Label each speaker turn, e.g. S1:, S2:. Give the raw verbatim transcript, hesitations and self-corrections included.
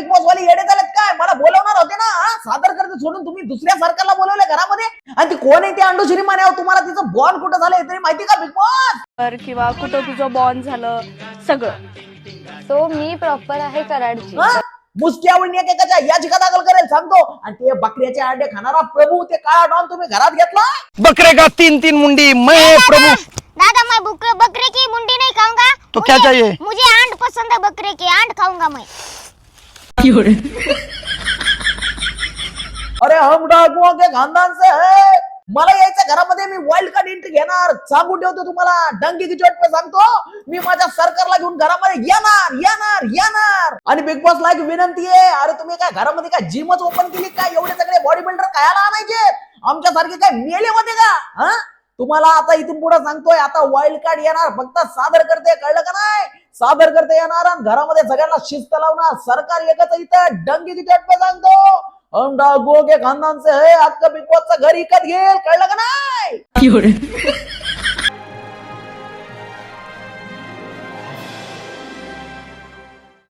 S1: Big boss वाले येडे झालेत काय? मला बोलवणार होते ना सादर करते सोडून तुम्ही दुसऱ्या सरकारला बोलवले घरामध्ये. आणि ती कोण आहे ती अंडू श्रीमान? तुम्हाला तिचं बॉन्ड कुठं झालं तरी माहिती का बिग बॉस?
S2: किंवा कुठं तुझं बॉन्ड झालं सगळं.
S3: सो मी प्रॉपर आहे कराडची.
S1: मुसक्यावरून एकेकाच्या याचिका दाखल करेल सांगतो. आणि ते बकऱ्याचे अंडे खाणारा प्रभू ते काळा डॉन तुम्ही घरात घेतला.
S4: बकरे का तीन तीन मुंडी मैं प्रभु।
S5: दादा मैं बकरे बकरे की मुंडी नहीं खाऊंगा।
S4: तो क्या चाहिए?
S5: मुझे आंट पसंद है, बकरे की आंट खाऊंगा मैं।
S1: अरे हम डाकुओं के खानदान से है। मला यायचं घरामध्ये मी वाईल्ड कार्ड एंट्री घेणार सांगून ठेवतो तुम्हाला. डंकी की चोट पे सांगतो मी माझ्या सरकारला घेऊन घरामध्ये येणार येणार येणार. आणि बिग बॉसला एक विनंती आहे, अरे तुम्ही काय घरामध्ये काय जिमच ओपन केली काय? एवढे सगळे बॉडी बिल्डर कायला आणायचे? आमच्यासारखे काय मेले होते का? हा तुम्हाला आता इथून पुढे सांगतोय, आता वाईल्ड कार्ड येणार, फक्त सादर करते, कळलं का नाही? सादर करते येणार आणि घरामध्ये सगळ्यांना शिस्त लावणार. सरकार एकच इथं डंकी की चोट पे सांगतो हम डाकुओं के खानदान से है. अख्खं बिग बॉसचं घर इकत घेईल, कळलं का नाही?